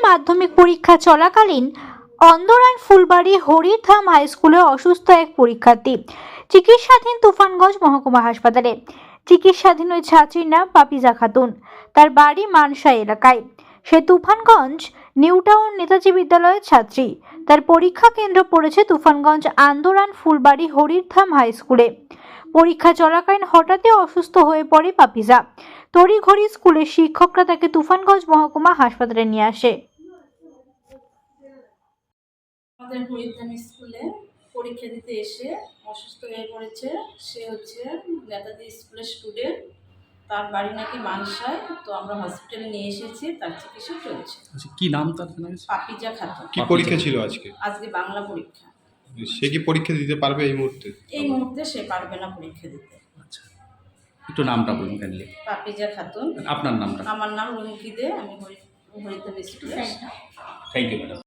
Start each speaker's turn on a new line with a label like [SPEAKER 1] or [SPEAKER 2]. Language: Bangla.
[SPEAKER 1] মাধ্যমিক পরীক্ষা চলাকালীন অন্দরান ফুলবাড়ি হরিধাম হাই স্কুলে অসুস্থ এক পরীক্ষার্থী চিকিৎসাধীন তুফানগঞ্জ মহকুমা হাসপাতালে। চিকিৎসাধীন ওই ছাত্রীর নাম পাপিজা খাতুন। তার বাড়ি মানসা এলাকায়। সে তুফানগঞ্জ নিউটাউন নেতাজি বিদ্যালয়ের ছাত্রী। তার পরীক্ষা কেন্দ্র পড়েছে তুফানগঞ্জ আন্দোরান ফুলবাড়ি হরিধাম হাই স্কুলে। পরীক্ষা চলাকালীন হঠাৎই অসুস্থ হয়ে পড়ে পাপিজা। তড়িঘড়ি স্কুলের শিক্ষকরা তাকে তুফানগঞ্জ মহকুমা হাসপাতালে নিয়ে আসে।
[SPEAKER 2] আমাদের হরিধাম স্কুলে পরীক্ষা দিতে এসে অসুস্থ হয়ে পড়েছে। সে হচ্ছে নেতাজি স্কুলের স্টুডেন্ট। তার বাড়ি নাকি মানসায়। তো আমরা হসপিটালে নিয়ে এসেছি, তার চিকিৎসা চলছে।
[SPEAKER 3] আচ্ছা, কি নাম তার?
[SPEAKER 2] পাপিজা খাতুন।
[SPEAKER 4] কি পরীক্ষা ছিল আজকে?
[SPEAKER 2] আজকে বাংলা পরীক্ষা।
[SPEAKER 4] সে কি পরীক্ষা দিতে পারবে এই মুহূর্তে?
[SPEAKER 2] এই মুহূর্তে সে পারবে না পরীক্ষা দিতে।
[SPEAKER 3] আচ্ছা, একটু নামটা বলুন কাইন্ডলি।
[SPEAKER 2] পাপিজা খাতুন।
[SPEAKER 3] আপনার নামটা?
[SPEAKER 2] আমার নাম রুমকি দে, আমি হরিধাম স্কুলের।
[SPEAKER 3] Thank you madam.